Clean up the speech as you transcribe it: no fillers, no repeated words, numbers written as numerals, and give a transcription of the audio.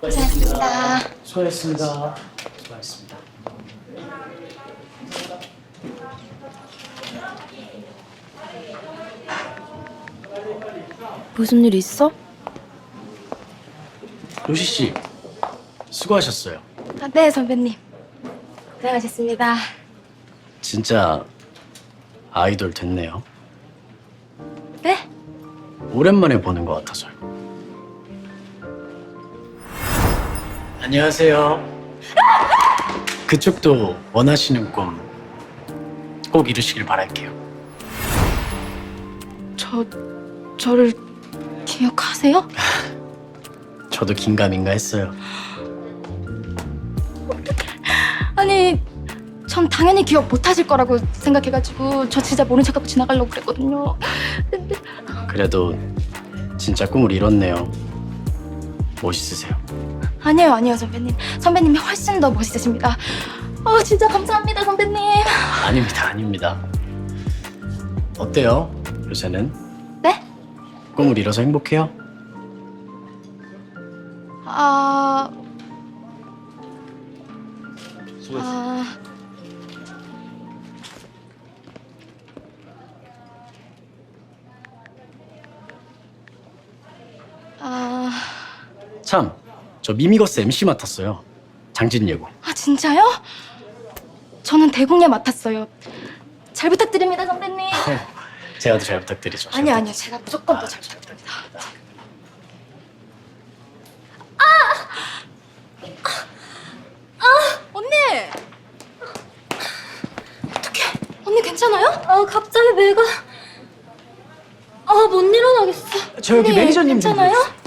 고생하셨습니다. 수고하셨습니다. 수고하셨습니다. 무슨 일 있어? 로시 씨, 수고하셨어요. 아, 네, 선배님. 고생하셨습니다. 진짜 아이돌 됐네요. 네? 오랜만에 보는 것 같아서요. 안녕하세요. 그쪽도 원하시는 꿈 꼭 이루시길 바랄게요. 저를 기억하세요? 저도 긴가민가 했어요. 아니, 전 당연히 기억 못 하실 거라고 생각해가지고 저 진짜 모른 척하고 지나가려고 그랬거든요. 근데 그래도 진짜 꿈을 이뤘네요. 멋있으세요. 아니에요, 선배님. 선배님이 훨씬 더 멋있으십니다. 진짜 감사합니다, 선배님. 아닙니다. 어때요, 요새는? 네? 꿈을 이뤄서 행복해요? 참, 저 미미거스 MC 맡았어요. 장진예고. 진짜요? 저는 대공예 맡았어요. 잘 부탁드립니다, 선배님. 제가 더 잘 부탁드리죠. 아니요. 제가 무조건 더 잘 부탁드립니다. 언니! 어떡해. 언니 괜찮아요? 갑자기 배가 못 일어나겠어. 저 여기 언니, 매니저님 좀 괜찮아요? 불러주세요.